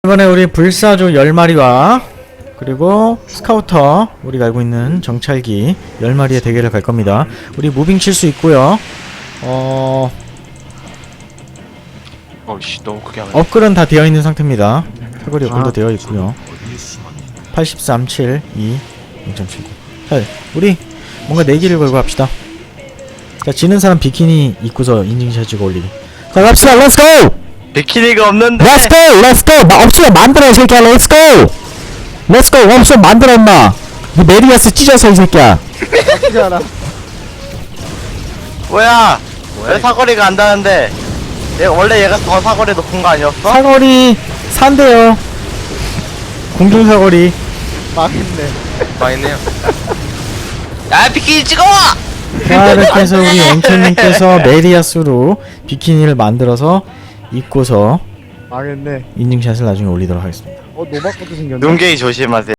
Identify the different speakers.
Speaker 1: 이번에 우리 불사조 10마리와 그리고 스카우터 우리가 알고 있는 정찰기 10마리의 대결을 갈 겁니다. 우리 무빙 칠 수 있고요.
Speaker 2: 어이씨 너무 크게 하네.
Speaker 1: 업글은 다 되어 있는 상태입니다. 사거리 업글도 되어 있고요. 83, 7, 2, 0.79. 자, 우리 뭔가 내기를 걸고 합시다. 자, 지는 사람 비키니 입고서 인증샷 찍어 올리기. 자, 갑시다. 렛츠고!
Speaker 2: 비키니가 없는데.
Speaker 1: 렛츠고! 렛츠고! 없으면 만들어 이 새끼야. 렛츠고! 렛츠고! 없으면 만들어 임마. 너 메리아스 찢어서 이 새끼야.
Speaker 2: 뭐야? 왜 사거리가 안 닿는데? 원래 얘가 더 사거리 높은 거 아니었어?
Speaker 1: 사거리 산대요. 공중 사거리.
Speaker 2: 망했네요. 야 비키니 찍어!
Speaker 1: 자, 이렇게 해서 우리 앵커님께서 메리아스로 비키니를 만들어서 입고서
Speaker 3: 망했네.
Speaker 1: 인증샷을 나중에 올리도록 하겠습니다.
Speaker 3: 노바코도 생겼네.
Speaker 2: 눈게이 조심하세요.